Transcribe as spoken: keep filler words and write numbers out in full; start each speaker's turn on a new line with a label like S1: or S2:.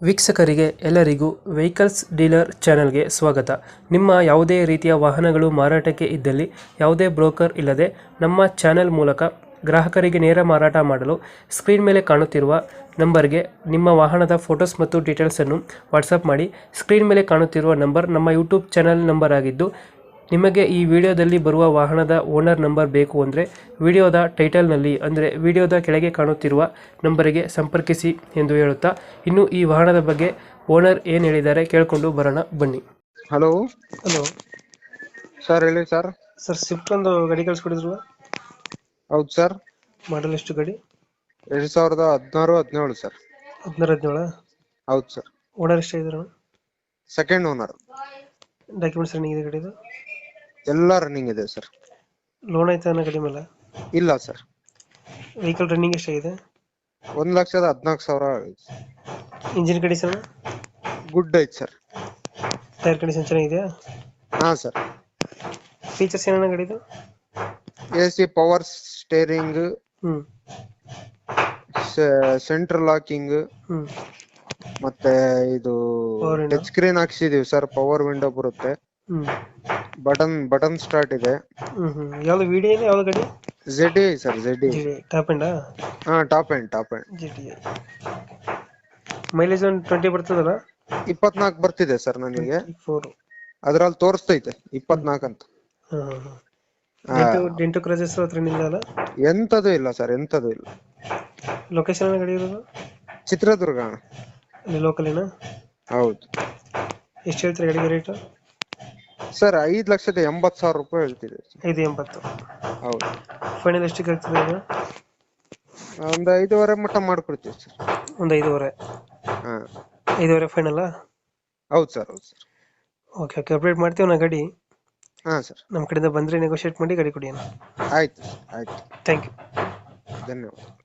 S1: ವೀಕ್ಷಕರಿಗೆ ಎಲ್ಲರಿಗೂ vehicles dealer ಚಾನೆಲ್ಗೆ ಸ್ವಾಗತ. ನಿಮ್ಮ ಯಾವುದೇ ರೀತಿಯ ವಾಹನಗಳು ಮಾರಾಟಕ್ಕೆ ಇದ್ದಲ್ಲಿ ಯಾವುದೇ ಬ್ರೋಕರ್ ಇಲ್ಲದೆ ನಮ್ಮ ಚಾನೆಲ್ ಮೂಲಕ ಗ್ರಾಹಕರಿಗೆ ನೇರ ಮಾರಾಟ ಮಾಡಲು ಸ್ಕ್ರೀನ್ ಮೇಲೆ ಕಾಣುತ್ತಿರುವ ನಂಬರ್ಗೆ ನಿಮ್ಮ ವಾಹನದ ಫೋಟೋಸ್ ಮತ್ತು ಡೀಟೇಲ್ಸನ್ನು ವಾಟ್ಸಪ್ ಮಾಡಿ. ಸ್ಕ್ರೀನ್ ಮೇಲೆ ಕಾಣುತ್ತಿರುವ ನಂಬರ್ ನಮ್ಮ ಯೂಟ್ಯೂಬ್ ಚಾನೆಲ್ ನಂಬರ್ ಆಗಿದ್ದು, ನಿಮಗೆ ಈ ವಿಡಿಯೋದಲ್ಲಿ ಬರುವ ವಾಹನದ ಓನರ್ ನಂಬರ್ ಬೇಕು ಅಂದರೆ ವಿಡಿಯೋದ ಟೈಟಲ್ನಲ್ಲಿ ಅಂದರೆ ವಿಡಿಯೋದ ಕೆಳಗೆ ಕಾಣುತ್ತಿರುವ ನಂಬರಿಗೆ ಸಂಪರ್ಕಿಸಿ ಎಂದು ಹೇಳುತ್ತಾ, ಇನ್ನು ಈ ವಾಹನದ ಬಗ್ಗೆ ಓನರ್ ಏನು ಹೇಳಿದ್ದಾರೆ ಕೇಳಿಕೊಂಡು ಬರೋಣ ಬನ್ನಿ.
S2: ಹಲೋ
S1: ಹಲೋ
S2: ಸರ್, ಹೇಳಿ ಸರ್.
S1: ಸರ್, ಸ್ವಿಫ್ಟ್ ಒಂದು ಗಾಡಿ ಕಳಿಸ್ಕೊಡಿದ್ರು.
S2: ಹೌದು ಸರ್.
S1: ಮಾಡಲ್ ಎಷ್ಟು ಗಾಡಿ?
S2: ಎರಡ್ ಸಾವಿರದ ಹದಿನಾರು ಹದಿನೇಳು ಸರ್.
S1: ಹದಿನಾರು ಹದಿನೇಳ
S2: ಹೌದು ಸರ್.
S1: ಓನರ್ ಎಷ್ಟಾಗಿದ್ರು?
S2: Second owner.
S1: ಡಾಕ್ಯುಮೆಂಟ್ಸ್ ರನ್ನಿಂಗ್ ಇದೆ ಗಾಡಿದು?
S2: ಎಲ್ಲ ರನ್ನಿಂಗ್ ಇದೆ ಸರ್.
S1: ಲೋನ್ ಆಯ್ತಾ ಅನ್ನೋ ಗಾಡಿ ಮೇಲೆ?
S2: ಇಲ್ಲ ಸರ್.
S1: ವೆಹಿಕಲ್ ರನ್ನಿಂಗ್ ಎಷ್ಟಾಗಿದೆ?
S2: ಒಂದ್ ಲಕ್ಷದ ಹದಿನಾಲ್ಕು ಸಾವಿರ.
S1: ಇಂಜಿನ್ ಕಂಡೀಷನ್
S2: ಗುಡ್ ಐತ್ ಸರ್.
S1: ಟೈರ್ ಕಂಡೀಷನ್ ಚೆನ್ನಾಗಿದೆಯಾ?
S2: ಹಾ ಸರ್.
S1: ಫೀಚರ್ಸ್ ಏನೇನು ಗಾಡಿದು?
S2: A C, power steering,
S1: hmm
S2: central locking,
S1: hmm
S2: ಮತ್ತೆ ಇದು
S1: Power window?
S2: ಟಚ್ ಸ್ಕ್ರೀನ್ ಹಾಕ್ಸಿದೀವಿ ಸರ್. ಪವರ್ ವಿಂಡೋ ಬರುತ್ತೆ.
S1: ಹ್ಮ್
S2: ಬಟನ್ ಬಟನ್ ಸ್ಟಾರ್ಟ್ ಇದೆ.
S1: ಹ್ಮ್ ಹ್ಮ್ ಯಾವ್ದು ವಿಡಿಯೋ ಇದೆ? ಯಾವ್ದು ಗಾಡಿ?
S2: Z I sir. Z I.
S1: Top ಎಂಡಾ?
S2: ಹಾ, top end top end.
S1: G T mileage ಒಂದು ಟ್ವೆಂಟಿ ಬರ್ತದಲ್ಲ?
S2: ಇಪ್ಪತ್ನಾಲ್ಕು ಬರ್ತಿದೆ ಸರ್ ನನಗೆ.
S1: ಫೋರ್
S2: ಅದ್ರಲ್ಲಿ ತೋರಿಸ್ತೈತೆ ಇಪ್ಪತ್ನಾಲ್ಕು ಅಂತ.
S1: ಡೆಂಟು ಡೆಂಟು ಕ್ರಜಸ್ ಹತ್ರ ಇಲ್ಲ ಅಲ್ಲ?
S2: ಎಂತದು ಇಲ್ಲ ಸರ್, ಎಂತದು ಇಲ್ಲ.
S1: ಲೊಕೇಶನ್ ಗಾಡಿ ಇರೋದು?
S2: ಚಿತ್ರದುರ್ಗ.
S1: ಅಲ್ಲಿ ಲೋಕಲಿನ?
S2: ಹೌದು.
S1: ಎಷ್ಟು ಹೇಳ್ತೀರಿ ಗಾಡಿಗೆ ರೇಟು?
S2: ಸರ್, ಐದ್ ಲಕ್ಷದ ಎಂಬತ್ ಸಾವಿರ ರೂಪಾಯಿ ಹೇಳ್ತಿದೆ.
S1: ಐದು ಎಂಬತ್ತು?
S2: ಹೌದು.
S1: ಫೈನಲ್ ಎಷ್ಟಕ್ಕೆ ಆಗ್ತದೆ ಇದು?
S2: ಒಂದು ಐದೂವರೆ ಮಟ್ಟ ಮಾಡ್ಕೊಡ್ತೀವಿ ಸರ್.
S1: ಒಂದು ಐದೂವರೆ?
S2: ಹಾ,
S1: ಐದೂವರೆ ಫೈನಲ್ಲ?
S2: ಹೌದು ಸರ್. ಹೌದು ಸರ್.
S1: ಓಕೆ ಓಕೆ, ಅಪ್ಡೇಟ್ ಮಾಡ್ತೀವಿ ನಾ ಗಾಡಿ.
S2: ಹಾ ಸರ್.
S1: ನಮ್ಮ ಕಡೆಯಿಂದ ಬಂದರೆ ನೆಗೋಷಿಯೇಟ್ ಮಾಡಿ ಗಾಡಿ ಕೊಡಿ ಅಣ್ಣ.
S2: ಆಯ್ತು ಆಯ್ತು.
S1: Thank you.
S2: ಧನ್ಯವಾದ.